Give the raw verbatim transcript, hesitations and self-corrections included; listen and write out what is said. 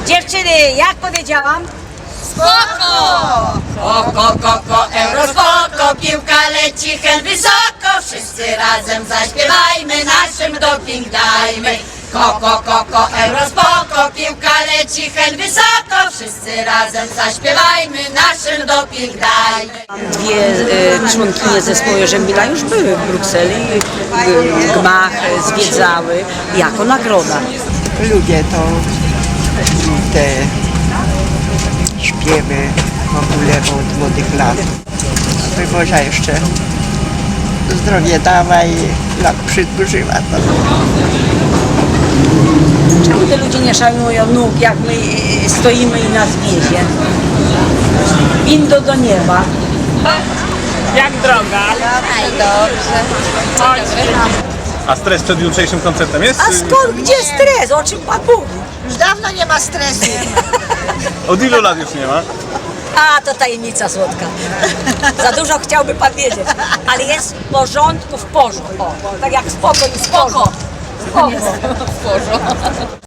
Dziewczyny, jak powiedziałam? Spoko! Oko, koko, euro, spoko, piłka leci hen wysoko, wszyscy razem zaśpiewajmy, naszym doping dajmy. Koko, koko, euro, spoko, piłka leci hen wysoko, wszyscy razem zaśpiewajmy, naszym doping dajmy. Dwie e, członkinie zespołu Jarzębila już były w Brukseli, e, gmach e, zwiedzały jako nagroda. Lubię to, te śpiewy w ogóle od młodych lat. Boża jeszcze zdrowie dała i lat przydłużyła to. Czemu te ludzie nie szanują nóg, jak my e, stoimy i nas wiezie? Windą do nieba. Jak droga? Aj, dobrze. A stres przed jutrzejszym koncertem jest? A skąd, gdzie stres? O czym pan mówi? Już dawno nie ma stresu. Od ilu lat już nie ma? A, to tajemnica słodka. Za dużo chciałby pan wiedzieć. Ale jest w porządku w porządku. O, tak jak spoko i spoko. Spoko.